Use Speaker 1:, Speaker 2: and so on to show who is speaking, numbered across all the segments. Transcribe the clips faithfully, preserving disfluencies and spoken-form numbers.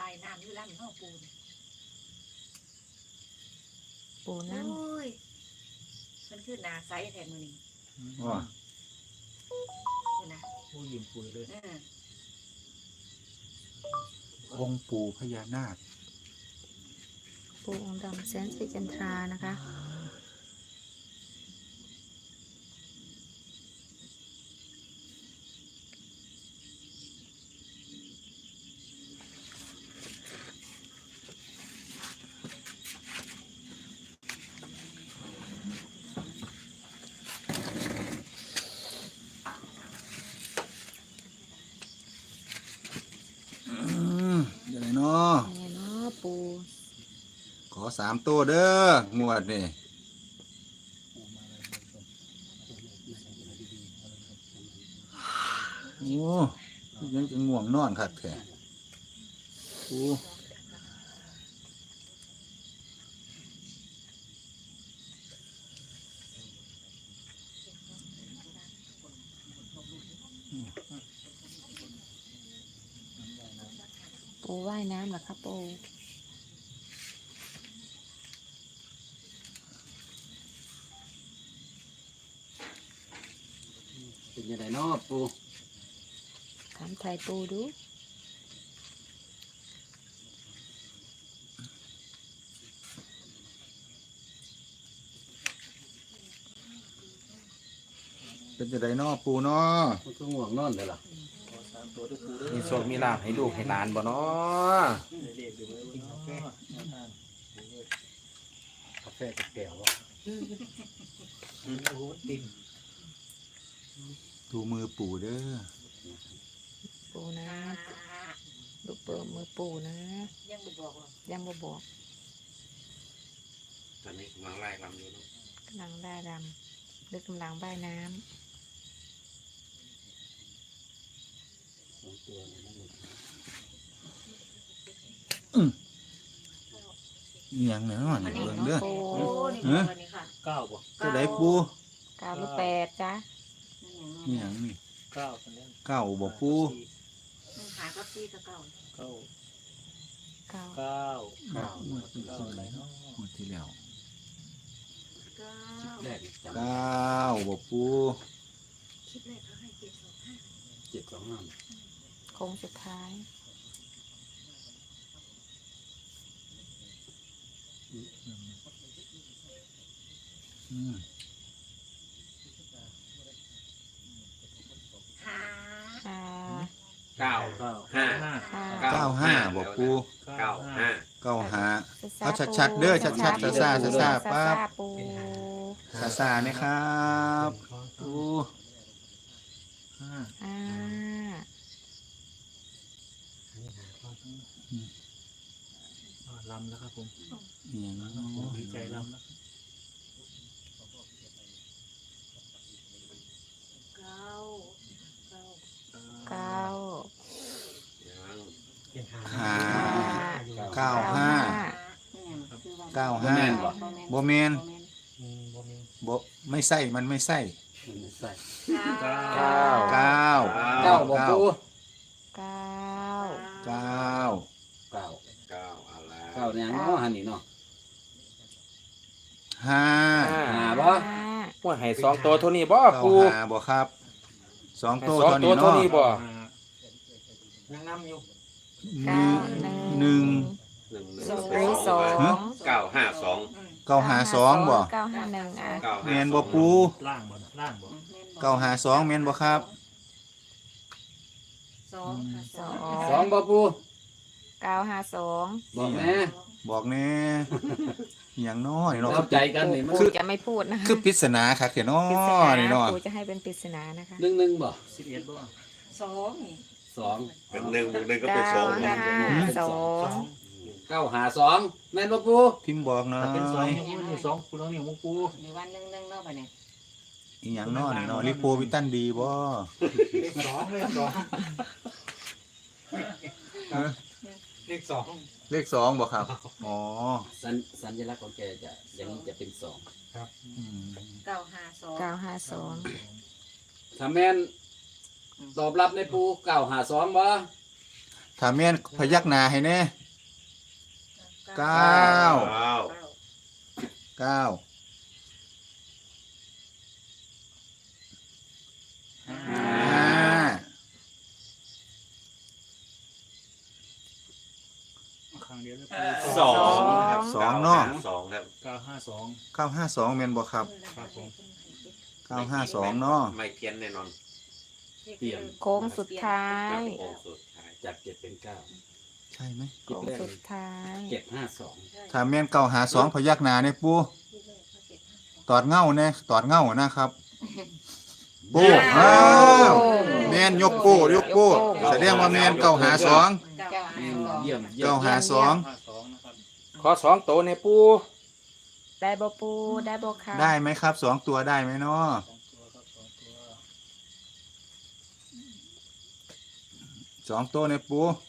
Speaker 1: ายน้ำอยู่ลำห้องปูน
Speaker 2: ปูน้ำ
Speaker 1: โอ้ยมันคือหนาไซส์แทนมือนี่
Speaker 3: ว่า
Speaker 1: คุณนะ
Speaker 4: ผู้ยิ้มปุยเลย
Speaker 1: เออ
Speaker 3: องค์ปู่พญานาค
Speaker 2: ปูองค์ดำแสนสิจันทรานะคะ
Speaker 3: อืมเดี๋ยวไหนเนาะ
Speaker 2: นี่เนาะปู
Speaker 3: ขอสามตัวเด้องวดนี่โอ้ยังจะง่วงนอนคักแท้โอ้
Speaker 2: ปูว่ายน้ำเหรอครับปู
Speaker 4: เป็นยังไงเนาะปู
Speaker 2: ถามไทยปูดู
Speaker 3: เป็นจะไดเนาะปู่เนาะ
Speaker 4: มันก็ง่วงนอนเลยล่ะ
Speaker 5: มีโชคมีลาภให้ลูกให้หลานบ่เนาะ
Speaker 4: กาแฟกับแก้ววะโอ้โหติ่ม
Speaker 3: ดูมือปู่เด้อ
Speaker 2: ปูนะดูเปิดมือปูนะ
Speaker 1: ยังไม่บอกหรอก
Speaker 2: ยังบ่บอก
Speaker 5: ตอนนี้กำลังไล่ลำอยู่เนาะ
Speaker 2: กำลังได้ดำหรือกำลังว่ายน้
Speaker 4: สองตัวนี่มัน
Speaker 3: อิหยังเนาะนี่เบิ่งเด้อ
Speaker 2: ำปู
Speaker 1: โอ้นี่บอกอันนี้ค่ะ
Speaker 4: เก้าบ่
Speaker 3: ตัวใดปู่
Speaker 2: เก้าหรือแปดจ้ะ
Speaker 1: นั่นอย่าง
Speaker 3: อิหยังนี่
Speaker 4: เก้าคนนี้
Speaker 3: เก้าบ่ปู่
Speaker 1: นั่นหากับซีกับเก่า
Speaker 4: เก้า
Speaker 2: เก้า
Speaker 4: เก้า
Speaker 3: เก้า
Speaker 4: เก้าอะไรเนาะ
Speaker 3: งวดที่แล้ว
Speaker 1: เก้า
Speaker 4: แรกจำ
Speaker 3: เก้าบ่ปู่
Speaker 1: คลิปแรกเขาให้เจ็ดสองห้า
Speaker 4: เจ็ดสองห้า
Speaker 2: โค้งสุดท้าย
Speaker 3: อืม
Speaker 1: หา
Speaker 2: อ่า
Speaker 5: เก้า
Speaker 4: เก้า
Speaker 5: ห้า
Speaker 4: ห้า
Speaker 2: ห้า
Speaker 3: เก้าห้าบ่ปู่
Speaker 5: เก้าห้า
Speaker 3: เก้าห้า เอา
Speaker 2: ซ่ๆ
Speaker 3: ชัดๆเด้อชัดๆ
Speaker 2: ปู
Speaker 3: ซ่าๆซ่าๆปั๊บ
Speaker 2: ซ่าๆปู
Speaker 3: ซาซาไหมครับปู่
Speaker 4: ห้า
Speaker 2: อ่า
Speaker 4: ลำแล้วครับผม
Speaker 3: อิหยังเนาะ
Speaker 4: ดีใจลำแล้ว
Speaker 1: เก้าเก้า
Speaker 2: เก้า
Speaker 5: ยัง
Speaker 3: ห้า
Speaker 4: เก้า
Speaker 3: เก้าห้า
Speaker 1: เนี่ยคือว่า
Speaker 3: เก้าห้าบ่แมน
Speaker 4: อืมบ่มี
Speaker 3: บ่ไม่ใส่มันไม่ใส่
Speaker 4: มันไม่ใส่
Speaker 1: เก้า
Speaker 5: เก้า
Speaker 3: เก้า
Speaker 4: เก้าบ่ปู
Speaker 2: เก้า
Speaker 3: เก้า
Speaker 4: เก้า
Speaker 5: เก้าอะไร
Speaker 4: เก้าเนี่ยเนาะหันนี่เนาะ
Speaker 3: ห้า
Speaker 4: หาบ่
Speaker 2: ห้า
Speaker 5: ว่าให้สองตัวเท่านี้บ่
Speaker 3: เก้า
Speaker 5: ปู
Speaker 3: ห้าบ่ครับสอง
Speaker 5: ให้
Speaker 3: ตัว
Speaker 5: สอง
Speaker 3: เท่า
Speaker 5: ตั
Speaker 3: นี้
Speaker 5: วเท่า
Speaker 3: เนาะ
Speaker 5: นี้บ่
Speaker 4: ยังน้ำอยู่
Speaker 3: หนึ่งหนึ่ง
Speaker 5: หนึ่งหนึ่ง
Speaker 2: สองสอง
Speaker 5: เก้าห้าสอง
Speaker 3: เก้าห้าสองบ่
Speaker 2: เก้าห้าหนึ่งอ่ะ
Speaker 5: เก้า
Speaker 3: แม
Speaker 5: ห้าน
Speaker 3: บ่ปู
Speaker 4: ล่างบ่ล่างบ่
Speaker 3: เก้าห้าสองแมนบ่ครับ
Speaker 1: สองค่ะ
Speaker 2: สอง
Speaker 4: สองบ่ปู
Speaker 2: เก้าห้าสอง
Speaker 4: บอกแม่
Speaker 3: บอกแน่อหย่างน้อยเนาะ
Speaker 4: เข้าใจกันนี่มัน
Speaker 2: ปูจะไม่พูดนะคะ
Speaker 3: คือปริศนาคักแท้เนาะ
Speaker 2: ปริศ
Speaker 3: นี่
Speaker 2: นา
Speaker 3: เนาะ
Speaker 2: ปูจะให้เป็นปริศนานะคะ
Speaker 4: หนึ่งหนึ่งบ่สิบเอ็ดบ่
Speaker 1: สองนี่
Speaker 4: สอง
Speaker 5: เป็นหนึ่งบวกหนึ่งก็เป็นสอง
Speaker 2: เก้าห้าสอง
Speaker 4: เก้าหาสองแม่นบ่ปู
Speaker 3: พิมพ์บอกหน่อ
Speaker 4: เป็นสอง
Speaker 3: ย
Speaker 4: นี่สองปูน้องนี่มุกปู
Speaker 1: มีวันหนึ่งหนึ่งเนาะไปเนี่ย
Speaker 3: อีหยังน้อนี่เนาะลิโปวิตันดีบ่
Speaker 4: สองเลขสองเลขสอง
Speaker 3: เลขสองบ่ครับอ๋อ
Speaker 4: สัญสัญลักษณ์ของแกจะอย่างนี้จะเป็นสอง
Speaker 3: อืม
Speaker 1: เก้าห้าสอง
Speaker 2: เก้าห้าสอง
Speaker 4: ถ้าแม่นตอบรับในปูเก้าหาสองบ่
Speaker 3: ถ้าแม่นพยักหน้าให้แน่เก้า
Speaker 4: เก้า
Speaker 3: เก้า
Speaker 4: ห้า
Speaker 3: ห้า
Speaker 6: ครั้งเดียวเลย
Speaker 4: สองครับ
Speaker 3: สองเนาะ
Speaker 4: สองครับ
Speaker 6: เก้าห้าสอง
Speaker 3: เก้าห้าสองแม่นบ่ครับ
Speaker 6: ครับผม
Speaker 3: เก้าห้าสองเนาะ
Speaker 4: ไม่เพี้ยนแน่นอน
Speaker 1: เปลี่ยน
Speaker 2: โค้งสุดท้าย
Speaker 4: โค้งสุดท้ายจากเจ็ดเป็นเก้า
Speaker 3: ใช่ไหม
Speaker 2: โค้งสุดท้าย
Speaker 4: เจ็ดห้าสอง
Speaker 3: ถ้าแม่นเก้าหาสองพยักหน้าเนี่ยปูตอดเงาแน่ตอดเงานะครับปูอ้าวแม่นยกปูยกปูแสดงว่าแม่นเก้าหาสอง
Speaker 1: เก้าห้าสอง
Speaker 4: เยี่ยมเยี่ย
Speaker 3: เก้าม หาสอง
Speaker 6: ห้าสองนะครับ
Speaker 5: ขอสองโตในปู
Speaker 2: ได้บ่ปูได้บ่ค่ะ
Speaker 3: ได้ไหมครับสองตัวได้ไหมเนาะ
Speaker 6: สองตัวครับสองตัว
Speaker 3: สองตัวเนี่ยปู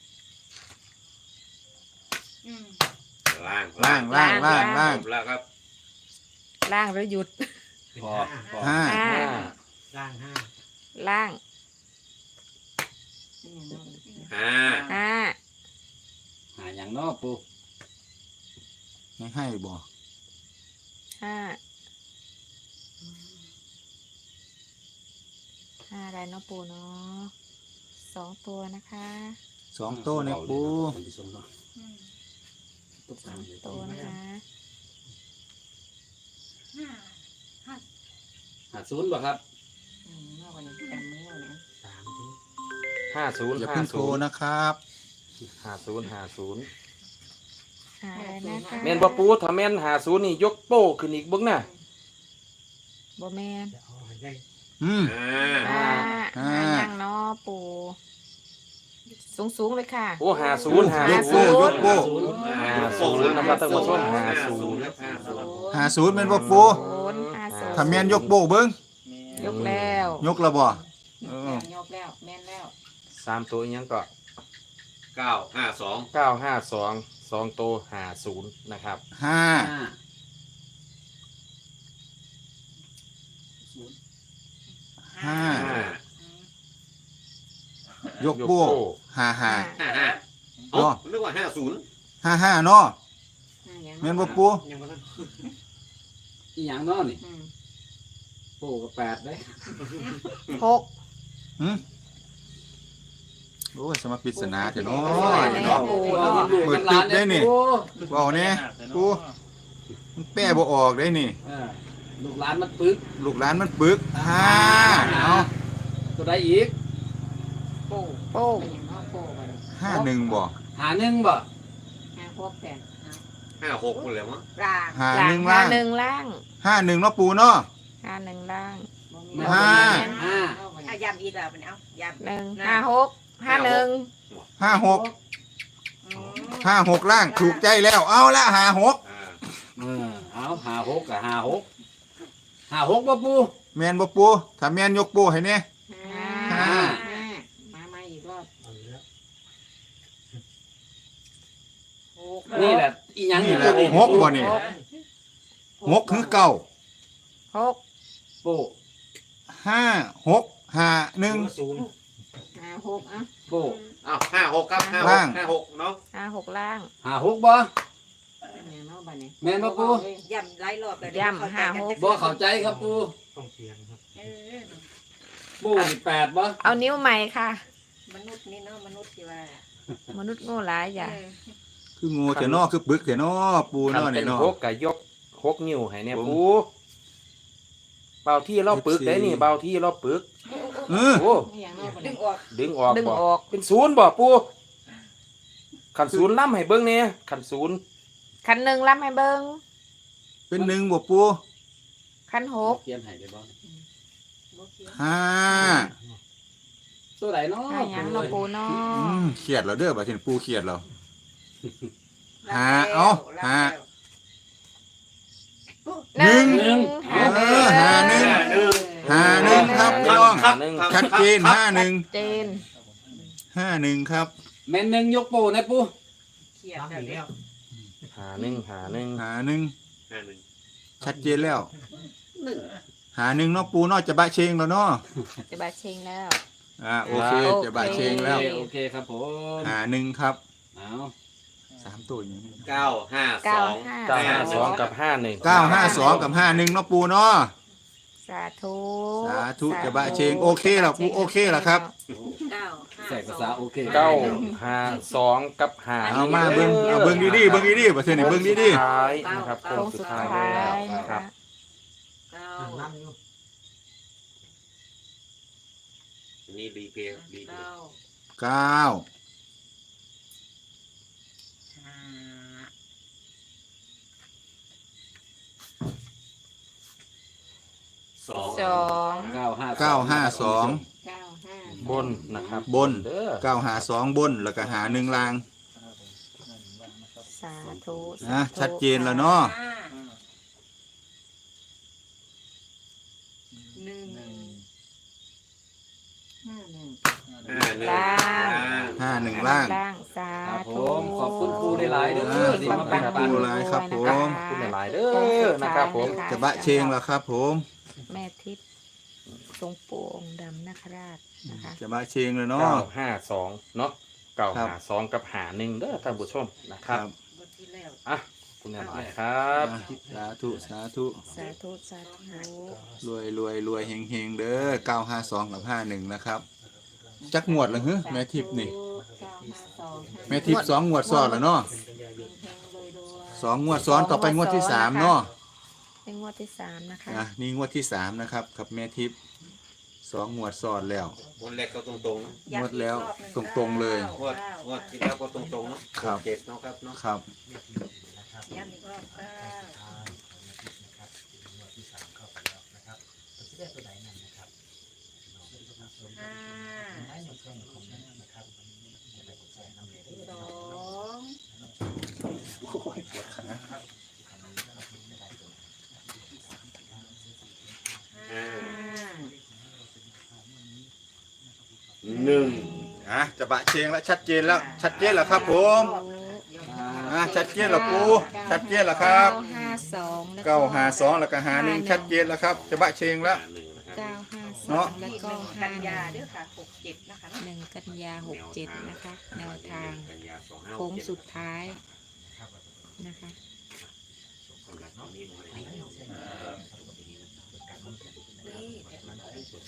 Speaker 1: อืม
Speaker 4: ล่าง
Speaker 3: ล่างล่างล่างล่าง
Speaker 4: จบแล้วครับ
Speaker 2: ล่างหรือหยุด
Speaker 4: พอพอ
Speaker 3: ห้า
Speaker 2: ห้า
Speaker 4: ล่างห้า
Speaker 2: ล่าง
Speaker 4: ห้า
Speaker 2: ห้า
Speaker 4: หาอย่างนอกปู
Speaker 3: ไม่ให้บ่
Speaker 2: ห้าห้าอะไรเนาะปูเนาะสองตัวนะคะ
Speaker 3: สองตัวเนี่ยปู
Speaker 1: อืม
Speaker 2: สองตัวนะคะ
Speaker 1: ห้าห้า
Speaker 4: หาศูนย์ป่ะครับ
Speaker 1: อืมเมื่อวันนี้จำไม่ได้นะ
Speaker 4: สาม
Speaker 5: ห้าศูนย์
Speaker 3: อย่า
Speaker 5: ห้า
Speaker 3: เพิ่งโทร
Speaker 5: ศูนย์
Speaker 3: นะครับ
Speaker 5: ห้าศูนย์ห้าศูนย์
Speaker 2: ห้าอะไรนะคะ
Speaker 5: แม่นบ่ปูถ้าแม่นห้าศูนย์นี่ยกโป้ขึ้นอีกเบิ่งน่ะ
Speaker 2: บ่แม่น
Speaker 3: อืม
Speaker 4: ห้า
Speaker 2: ห้า
Speaker 3: ห้า
Speaker 2: ห้ายังเนาะปูสูงสูงๆเลยค่ะ
Speaker 5: โอ้ห้าศูนย์ห้าย
Speaker 3: ก
Speaker 5: ศู
Speaker 3: โป้
Speaker 5: นย์
Speaker 3: ยกโป้
Speaker 5: ห้าศูนย์นะครับท่านผู้ชมห้าศูนย์
Speaker 4: ห้าศูนย์
Speaker 3: หาศูนย์เป็นบ่ปู
Speaker 2: ศูนย์ห้าศูนย์
Speaker 3: ถ้าแม่นยกโป้เบิ้ง
Speaker 2: ยกแล้ว
Speaker 3: ยกและบ่เออ
Speaker 1: ยกแล้วแม่นแล้ว
Speaker 5: สามตัวอีกยังก็
Speaker 4: เก้าห้าสอง
Speaker 5: เก้าห้าสองสองตัวห้าศูนย์นะครับ
Speaker 3: ห้า ห้า
Speaker 5: ห้าย
Speaker 3: กโป้ห้าห้า
Speaker 4: ห้าห้า
Speaker 3: อ๋อ
Speaker 4: นึกว่าห้าศูนย์
Speaker 3: ห้าห้าเนาะ
Speaker 1: ห้าอย่าง
Speaker 3: แม่นบ่ปู
Speaker 7: อีหยังเนาะนี่
Speaker 1: อืม
Speaker 7: โป้กับแปดเด้
Speaker 2: หก
Speaker 3: หืมโอ้ยสมาปริศนาเถอะเนาะ
Speaker 2: โอ้ย
Speaker 3: เนาะ
Speaker 2: โอ้ย
Speaker 3: เปิดตึกได้นี่
Speaker 7: โอ้
Speaker 3: เว้าแน่ปูมันแป้บ่ออกได้นี่
Speaker 7: เออลูกหลานมันปึก
Speaker 3: ลูกหลานมันปึกห้าเอา
Speaker 7: ตัวใดอีก
Speaker 1: โป้
Speaker 2: โป้ง
Speaker 1: เป็นอย่างน้อยโป้ไปเลย
Speaker 3: ห้าหนึ่งบ่
Speaker 7: หาหนึ่งบ่
Speaker 1: ห้าหกแปดห้า
Speaker 4: ห้าหกคนเลยมั้ง
Speaker 1: ร่าง
Speaker 3: ห้า
Speaker 2: หลั
Speaker 3: ห
Speaker 2: ง
Speaker 3: นึ่ง
Speaker 2: ห้า
Speaker 3: ล่าง
Speaker 2: หนึ่งล่าง
Speaker 3: ห้าหนึ่งเนาะปูเนาะ
Speaker 2: ห้าหนึ่งล่าง
Speaker 1: บ่มี
Speaker 3: ห้า
Speaker 7: ห้า
Speaker 1: เอายำอีกแล้วเป็นเอายำ
Speaker 2: หนึ่งห้าหกห้าหนึ่ง
Speaker 3: ห้าหก
Speaker 1: อืม
Speaker 3: ห้าหกล่างถูกใจแล้วเอาละห้าหก
Speaker 4: อ่า
Speaker 7: เออเอาหาหกกับหาหกหาหกบ่ปู
Speaker 3: แมนบ่ปูถ้าแมนยกปูให้แน่
Speaker 1: ห้า
Speaker 3: ห้า
Speaker 1: ห้ามามาอีกรอบหก
Speaker 7: นี่แหละอีหยัง
Speaker 3: นี่แหละหกบ่นี่หกคือเก้า
Speaker 2: หก
Speaker 7: โป้
Speaker 3: ห้าหกห้าหนึ่ง
Speaker 1: ห้าหกอ่ะ
Speaker 7: โป้
Speaker 4: อ้าวห้าหกครับห้าห
Speaker 3: ล่าก ง
Speaker 4: ห้าหกเนาะ
Speaker 2: ห้าหกล่าง
Speaker 7: หาหกบ่
Speaker 1: เป็นไงเนาะบัดนี้
Speaker 7: แม่นบ่ปู
Speaker 1: ยำหลายรอบเลย
Speaker 2: ย่ำห้าหก
Speaker 7: บ่เข้าใจครับปู
Speaker 1: เออ
Speaker 7: โป้นี่แปดบ่
Speaker 2: เอานิ้วใหม่ค่ะ
Speaker 1: มนุษย์นี่เนาะมนุษย์ที่ว่า
Speaker 2: มนุษย์โง่หลายอย่า
Speaker 1: เออ
Speaker 3: คืองูเถอะเนาะคือปึกเถอะเนาะปู
Speaker 5: คัน
Speaker 3: เนาะ
Speaker 5: เป็
Speaker 3: นี่
Speaker 5: น
Speaker 3: เนาะ
Speaker 5: หกก็ยกหกนิ้วให้เนี่ย
Speaker 3: ผม
Speaker 5: ปูเบาที่เราปึกได้นี่เบาที่เราปึก
Speaker 3: เออ
Speaker 5: โอ้
Speaker 1: ไม่อย่างเนาะบัด
Speaker 2: ดึ
Speaker 1: นี้
Speaker 2: งออก
Speaker 5: ดึงออก
Speaker 2: ดึง
Speaker 5: บ่
Speaker 2: ออก
Speaker 5: เป็นศูนย์บ่ปูขันศูนย์ล่ำให้เบิ่งเนี่ยขันศูนย์
Speaker 2: คันหนึ่งรับให้เบิ้ง
Speaker 3: เป็นหนึ่งบ่ปู
Speaker 2: คันหก
Speaker 7: เขียนให้ได้บ่
Speaker 1: บ่เขียน
Speaker 3: ห้า
Speaker 7: ตัวใดเนาะ
Speaker 2: ห้าหยังเนาะปูเนาะ
Speaker 3: อืมเครียดแล้วเด้อบัดนี้ปูเครียดแล้ว หา
Speaker 1: รับแล้ว
Speaker 3: เอา
Speaker 1: รับ
Speaker 3: หา
Speaker 1: แล้ว
Speaker 3: หนึ่ง
Speaker 2: หนึ่ง
Speaker 3: เออหาหนึ่ง
Speaker 1: เออ
Speaker 3: หาหนึ่งครับพี่น้อง
Speaker 5: หาหนึ่ง
Speaker 3: ชัดเจนห้าหนึ่ง
Speaker 2: เจน
Speaker 3: ห้าหนึ่งครับ
Speaker 7: แม่นหนึ่งยกโป้นะปู
Speaker 1: เขียนแล้ว
Speaker 5: หาหนึ่งหาหนึ่ง
Speaker 3: หาหนึ่ง
Speaker 4: ห้าหนึ่ง
Speaker 3: ชัดเจนแล้ว หาหนึ่งเนาะปูเนาะจะบะเชงแล้วเนาะ
Speaker 2: จะบาเชงแล้ว
Speaker 3: อ่าโอเคจะบะเชงแล้ว
Speaker 7: โอเคครับผม
Speaker 3: หาหนึ่งครับ
Speaker 7: เอา
Speaker 3: สามตัวอย่างนี้
Speaker 4: เก้าห้าส
Speaker 2: เก้า
Speaker 4: อง
Speaker 2: ห้า
Speaker 5: เก้าห้าสองกับห้าหนึ่ง
Speaker 3: เก้าห้าสองกับห้าหนึ่งเนาะปูเนาะ
Speaker 2: สาธุ
Speaker 3: สาธุจะบะเชงโอเคแล้วปูโอเคแล้วครับ
Speaker 1: เก้าห้า
Speaker 7: ใส่ภาษาโอเค
Speaker 5: เก้าห้าสองกับห้า
Speaker 3: เอามาเบิ้งเอาเบิ้งดีๆเบิ้งดีๆประเทศนี้เบิ้งดี
Speaker 5: สุท้ายนะครับโค้
Speaker 2: โค้
Speaker 5: ง
Speaker 2: ง
Speaker 5: สุ
Speaker 2: สุ
Speaker 5: ด
Speaker 2: ด
Speaker 5: ท้าย
Speaker 2: ท้าย
Speaker 5: แล้ว
Speaker 2: นะ
Speaker 5: ครั
Speaker 2: คะ
Speaker 5: บ
Speaker 1: เก้า
Speaker 4: นี่รีเพย์รีเพ
Speaker 1: เก้า
Speaker 4: ย์
Speaker 3: ๆเก้า
Speaker 1: ห้า
Speaker 4: สอง
Speaker 2: สอง
Speaker 7: เก้าห้า
Speaker 3: เก้าห้าสอง
Speaker 1: เก้าห้า
Speaker 5: บนนะครับ
Speaker 3: บน
Speaker 5: เด้อ
Speaker 3: เก้าหาสองบนแล้วก็หาหนึ่งลาง
Speaker 2: สาธุ
Speaker 3: นะชัดเจนแล้วเนาะ
Speaker 1: ห้าหนึ่งห้าหนึ่ง
Speaker 4: ห้าหนึ่ง
Speaker 2: ล่าง
Speaker 3: ห้าหนึ่งล่าง
Speaker 2: ล่างสา
Speaker 7: ครับผ
Speaker 2: ธุ
Speaker 7: มขอบคุณครูได้หลายเด้อที่มา
Speaker 3: ข
Speaker 7: แบ่
Speaker 3: อบ
Speaker 7: ง
Speaker 3: คุ
Speaker 7: ปั
Speaker 3: ณ
Speaker 7: น
Speaker 3: ครูหลายครับผม
Speaker 5: ขอบคุณหลายๆเด้อนะครับผม
Speaker 3: จะบะเชงแล้วครับผม
Speaker 2: แม่ทิพย์ทรงปู่องค์ดำนาคราชนะคะ
Speaker 3: จะบะเชงเลยเนาะ
Speaker 5: เก้าห้าสองเนาะเก้า
Speaker 3: ครั
Speaker 5: ห้า
Speaker 3: บ
Speaker 5: สองกับหาหนึ่งเด้อท่านผู้ชมนะครับ
Speaker 1: บทที่แล้ว
Speaker 5: อ่ะคุณหลายๆครับ
Speaker 3: สาธุสาธุ
Speaker 2: สาธุสาธุ
Speaker 3: รวยรวยรวยเฮงเฮงเด้อเก้าห้าสองกับห้าหนึ่งนะครับจักงวดเหรอฮึแม่ทิพย์นี่
Speaker 1: เก้าห้าสอง
Speaker 3: แม่ทิพย์สองงวดซ้อนแล้วเนาะ
Speaker 1: แพงเลยด้วย
Speaker 3: สองงวดซ้อนต่อไปงวดที่สามเนาะ
Speaker 2: เป็นงวดที่สามนะคะ
Speaker 3: อ่ะนี่งวดที่สามนะครับกับแม่ทิพย์สองงวดซ้อนแล้ว
Speaker 4: วันแรกก็ตรงๆนะ
Speaker 3: งวดแล้วตรงๆเลย
Speaker 4: งวดงวดที่แล้วก็ตรงๆเนาะ
Speaker 3: ครับ
Speaker 4: เจ็ดเนาะครับเนาะ
Speaker 3: ครับ
Speaker 1: ย้ำอีกรอบเก้าห้าสอง
Speaker 4: ห้า
Speaker 1: ห้า
Speaker 4: หนึ่ง
Speaker 3: อ่ะจะบะเชงแล้วชัดเจนแล้วชัดเจนแล้วครับผมอ่ะชัดเจนแล้วปูชัดเจนแล้วครับ
Speaker 2: เก้าห้าสองแล้ว
Speaker 3: เก้าหาสองแล้วก็หาหนึ่งชัดเจนแล้วครับจะบะเชงแล้ว
Speaker 4: หนึ่งนะครับ
Speaker 2: เก้าห้าสอ
Speaker 3: เนาะ
Speaker 2: งแล้วก็
Speaker 1: กั
Speaker 2: ห้าน
Speaker 1: ยาเด้อค่ะหกเจ็ดนะคะ
Speaker 2: หนึ่งกันยาหกเจ็ดนะคะแนวทาง
Speaker 4: กันยาสองห้าห
Speaker 2: โค้
Speaker 4: ก
Speaker 2: ง
Speaker 4: เจ็ด
Speaker 2: สุดท้ายนะคะ
Speaker 4: สำหรับตอนนี้หน่วยนี้
Speaker 1: นี่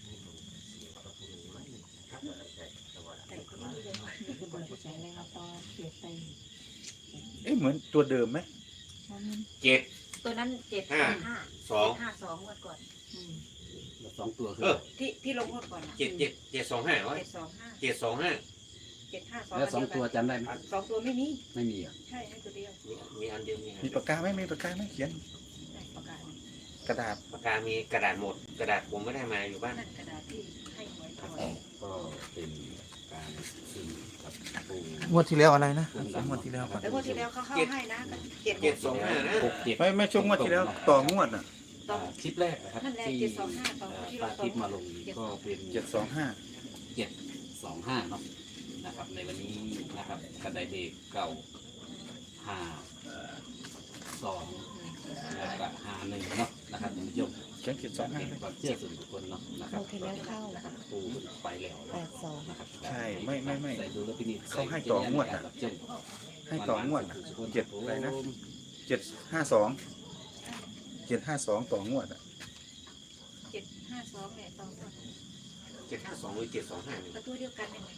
Speaker 3: เอ๊ะเหมือนตัวเดิมไหม
Speaker 4: เจ็ด
Speaker 1: ตัวนั้นเจ็ด
Speaker 4: ห้า
Speaker 1: ห้า
Speaker 4: สอง
Speaker 1: ห้าสองงวดก่อนอืม
Speaker 7: สองตัวคือ
Speaker 4: เออ
Speaker 1: ที่ที่ลงงวดก่อนอะ
Speaker 4: เจ็ดเจ็ดเจ็ดสองห้าร้อย
Speaker 1: เจ็ดสองห้า
Speaker 4: เจ็ดสองห้า
Speaker 1: เจ็ดห้าสอง
Speaker 7: แล้วสองตัวจำได้ไหม
Speaker 1: สองตัวไม่มี
Speaker 7: ไม่มีอ่ะ
Speaker 1: ใช่ให้ตัวเดียว
Speaker 4: มีมีอันเดียวมีอัน
Speaker 3: มี
Speaker 4: เดียว
Speaker 3: ปากกาไหมมีปากกาไหมเขียน
Speaker 1: ได้ประกาศ
Speaker 3: กระดาษ
Speaker 4: ปากกามีกระดาษหมด กระดาษผมไม่ได้มาอยู่บ้าน
Speaker 1: นั่นกระดาษที่ให้หวยก่อน
Speaker 7: ก็เป็นการซื้อกับปู
Speaker 3: งวดที่แล้วอะไรนะงวดที่แล้วก่อน
Speaker 1: แล้วงวดที่แล้วเขาเข้าให้นะเจ็ด
Speaker 4: เจ็ดสองห้านะ
Speaker 7: หกเจ็ด
Speaker 3: ไม่ไม่ช่วงงวดที่แล้วต่องวดอ่ะ
Speaker 1: ต้อง
Speaker 7: คลิปแรกนะครับ
Speaker 1: นั่นแหละ
Speaker 7: ที่
Speaker 1: เจ็ดสองห้าสองที่
Speaker 7: ป
Speaker 1: เรา
Speaker 7: ลาทิพย์มาลงก็เป็น
Speaker 3: เจ็ดสองห้า
Speaker 7: เจ็ดสองห้าเนาะนะครับ ในวันนี้นะครับกระไดเด็กเก่าห้าสองแล้วก็ห้าหนึ่งเนาะนะครับท่านผู้ชม
Speaker 3: เขียนเจ็ดสองห้า
Speaker 7: เป็นความเชื่อส่วนบุคคลเนาะนะครับ
Speaker 2: เข้าที่แล้วเข้า
Speaker 7: นะครับปูไปแล้ว
Speaker 2: แปดสอง
Speaker 7: นะครับ
Speaker 3: ใช่ไม่ไม่ไม่
Speaker 7: ใส่ดูแลพินิจ
Speaker 3: เขาให้ต่องวดน่ะ ให้ต่องวดน่ะเจ็ดอะไรนะเจ็ดห้าสองเจ็ดห้าสองต่องวดอ่ะ
Speaker 1: เจ็ดห้าสองเนี่ยสองตัว
Speaker 4: เจ็ดห้าสองหรือเจ็ดสองห้านี่
Speaker 1: ประตูเดียวกันเนี่ย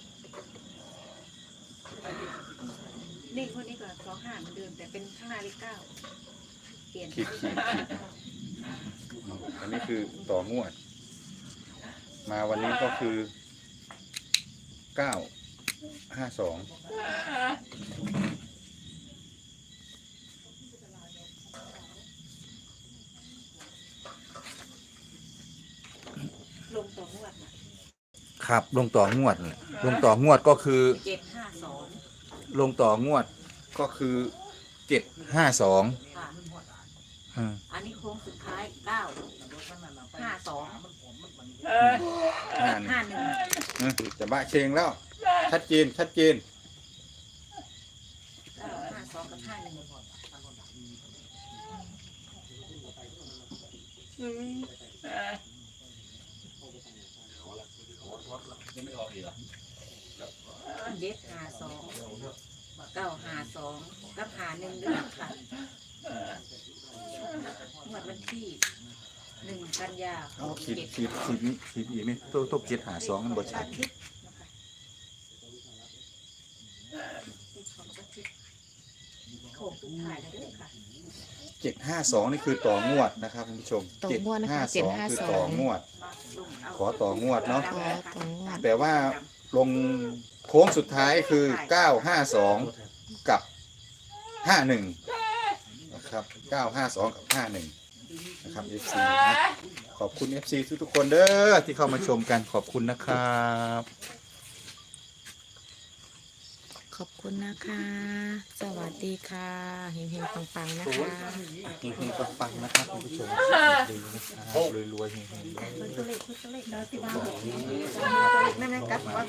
Speaker 1: นี่คนนี้ก็สองห้าเหมือนเดิมแต่เป็นข้างหน้าเลขเก้าเปลี่ยน
Speaker 3: ขีดขีดขีดอันนี้คือต่องวด มาวันนี้ก็คือเก้าห้าสอง
Speaker 1: ลงต่องวดน่ะ
Speaker 3: ครับลงต่องวดเลยลงต่องวดก็คือ
Speaker 1: เจ็ดห้าสอง
Speaker 3: ลงต่องวดก็คือเจ็ดห้าสอง
Speaker 1: ค่ะ
Speaker 3: อืม
Speaker 1: อันนี้โค้งสุดท้ายเก้าห้าสอง
Speaker 3: ห้าหนึ่ง
Speaker 1: ห้าหนึ่ง
Speaker 3: เออจะบะเชงแล้ว ชัดเจนชัดเจน
Speaker 1: เก้าห้าสองกับห้าหนึ่ง
Speaker 7: ยังไม่ออกอีกเหรอ
Speaker 1: เด็ดหาสองเก้าหาสองกับหาหนึ่งด้วยค่ะงวดวันที่หนึ่งกันยา
Speaker 3: เอาขีดขีดขีดนี้ขีดอีกนี่ตัวตัวเจ็ดหาสองมันบ่ชั
Speaker 1: อา
Speaker 3: ด
Speaker 1: ทิตย์นะคะติดของอาทิตย์โขกสุดท้ายแล้วด้วยค่ะ
Speaker 3: เจ็ดห้าสองนี่คือต่องวดนะครับคุณผู้ชม
Speaker 2: ต่องวดนะคะ
Speaker 3: เจ็ดห้าสองคือต่องวด
Speaker 1: มาลุมเา
Speaker 3: ขอต่องวดเนาะ
Speaker 2: ขอต่องวด
Speaker 3: แต่ว่าลงโค้งสุดท้ายคือเก้าห้าสองกับห้าหนึ่งนะครับเก้าห้าสองกับห้าหนึ่งนะครับ เอฟ ซี นะขอบคุณ เอฟ ซี ทุกๆคนเด้อที่เข้ามาชมกันขอบคุณนะครับ
Speaker 2: ขอบคุณนะคะ สวัสดีค่ะเฮงๆปังๆนะคะ
Speaker 3: เฮงๆปังๆนะครับคุณผู้ชมดีนะครับรวยๆเฮงๆ
Speaker 1: ตัวเลขตัวเลขเราที่บ้านนั่นนะครับ